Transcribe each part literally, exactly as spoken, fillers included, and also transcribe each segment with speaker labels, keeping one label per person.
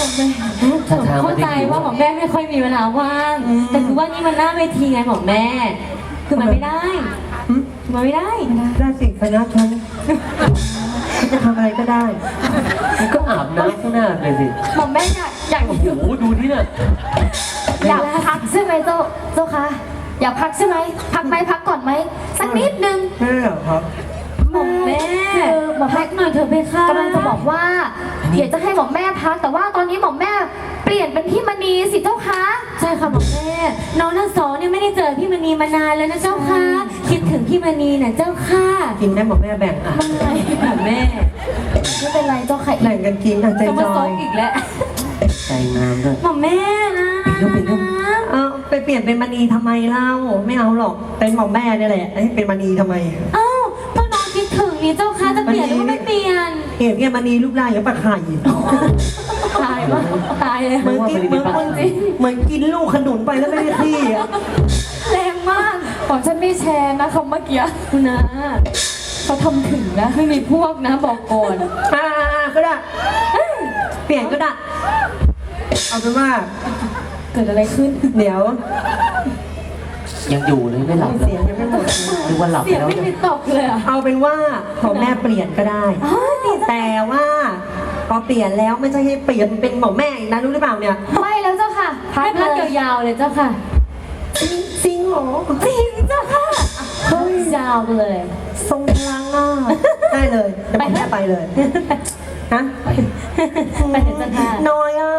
Speaker 1: เข้าใจว่าหมอแม่ไม่ค่อยมีเวลาว่างแต่คือว่านี่มันหน้าเวทีไงหมอแม่คือมันไม่ได้มันไม่ได้
Speaker 2: ได้สิคณะฉันจะทำอะไรก็ได้
Speaker 3: ก็อาบน้ำข้างหน้าเลยสิ
Speaker 4: หม่อมแม่อยากอยาก
Speaker 3: โอ้โหดูที่น่ะ
Speaker 4: อยากพักใช่ไหมเจ้าเจ้าคะอยากพักใช่ไหมพักไหมพักก่อนไหมสักนิดนึง
Speaker 2: ไม่หรอกครับ
Speaker 1: หมอแม่
Speaker 4: คือหม่อม
Speaker 1: พั
Speaker 4: แม่
Speaker 1: กหน่อยเถอะเพคะ
Speaker 4: กำลังจะบอกว่าเดี๋ยวจะให้หม่อมแม่พักแต่ว่าตอนนี้หม่อมแม่เปลี่ยนเป็นพี่มณีสิเจ้าคะ
Speaker 1: ใช่ค่ะหมอแม่น้องทั้งสองเนี่ยไม่ได้เจอพี่มณีมานานแล้วนะเจ้าค่ะคิดถึงพี่มณีน่ะเจ้าค่ะ
Speaker 2: กินได้หมดแม่แบ่งอ่ะ
Speaker 1: ไม่หมอแม่
Speaker 4: ไม่เป็นไรเจ้าค่ะ
Speaker 2: แบ่งกันกินอ่ะใจ
Speaker 1: จะ
Speaker 2: จ
Speaker 1: มาซ
Speaker 2: อบ ย
Speaker 1: อีกแล้ว
Speaker 3: ใจงามด้วย
Speaker 1: หมอแม่นะ
Speaker 3: ลูกเป็นลูก
Speaker 2: เอาไปเปลี่ยนเป็นมณีทำไมเล่าไม่เอาหรอกเป็นหมอมแม่เนี่ยแหละให้เป็นมณีทำไม
Speaker 1: เอ้าก็น้องคิดถึงนี่เจ้าค่ะจะเปลี่ยนหรือไม่เปลี่ยน
Speaker 2: เห็นเนี่ยมณีรูปร่างอย่างปลาไข่
Speaker 1: ตายปะตายเลย
Speaker 2: เหมือนกินเหมือนคนจริงเหมือนกินลูกขนุนไปแล้วไม่ได้ที่อ่ะ
Speaker 1: แรงมาก
Speaker 4: ของฉันไม่แชร์นะคำเมื่อกี้
Speaker 1: คุณนะ
Speaker 4: เขาทำถึงนะ
Speaker 1: ไม่มีพวกนะบอกก่อน
Speaker 2: อ่าก็ได้เปลี่ยนก็ได้เอาเป็นว่า
Speaker 4: เกิดอะไรขึ้น
Speaker 2: เดี๋ยว
Speaker 3: ยังอยู่เลยไม่หลับเล
Speaker 2: เสี
Speaker 3: ย
Speaker 2: ยงยังไม่หมด
Speaker 3: นึกว่าหลับ
Speaker 1: เสียง
Speaker 3: แล้ว
Speaker 1: ไม่มีตกเลยอ่ะ
Speaker 2: เอาเป็นว่าของแม่เปลี่ยนก็ได้ แต่ว่าพอเปลี่ยนแล้วไม่ใช่ให้เปลี่ยนเป็นหมอแม่อีกนะรู้หรือเปล่าเนี่ย
Speaker 4: ไม่แล้วเจ้าค่ะพั
Speaker 1: ให้
Speaker 4: ก
Speaker 1: พัก
Speaker 4: เลย
Speaker 1: ยาวๆเลยเจ้าค่ะ
Speaker 2: จริงเหรอ
Speaker 1: จริงเจ้าค่ะเฮ้ยยาวเลย
Speaker 2: ทรงพลังอ่ะได้เลยเดี๋ยวหมอแม่ไปเลยฮะ
Speaker 1: ไปเถอะเจ้าค่ะ
Speaker 2: น้อยอ่ะ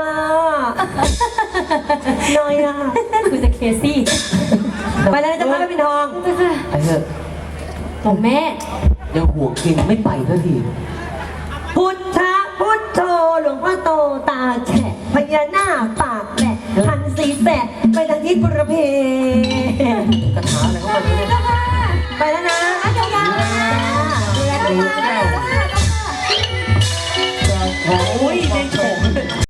Speaker 2: น้อยอ่ะ
Speaker 1: คุณจะเคซี่
Speaker 2: ไปเลยจะพาไปปินทอง
Speaker 1: เจ้าค่ะ
Speaker 3: ไปเถอะ
Speaker 1: หมอแม่
Speaker 3: ยังห่วงเก่งไม่ไปสักที
Speaker 2: พุทธะพุทโธหลวงพ่อโตตาแฉะพญานาคปากแหลกหันสีแสะไปทางทิศบุรเพ
Speaker 3: กระถาอะไรของมันเนี่ย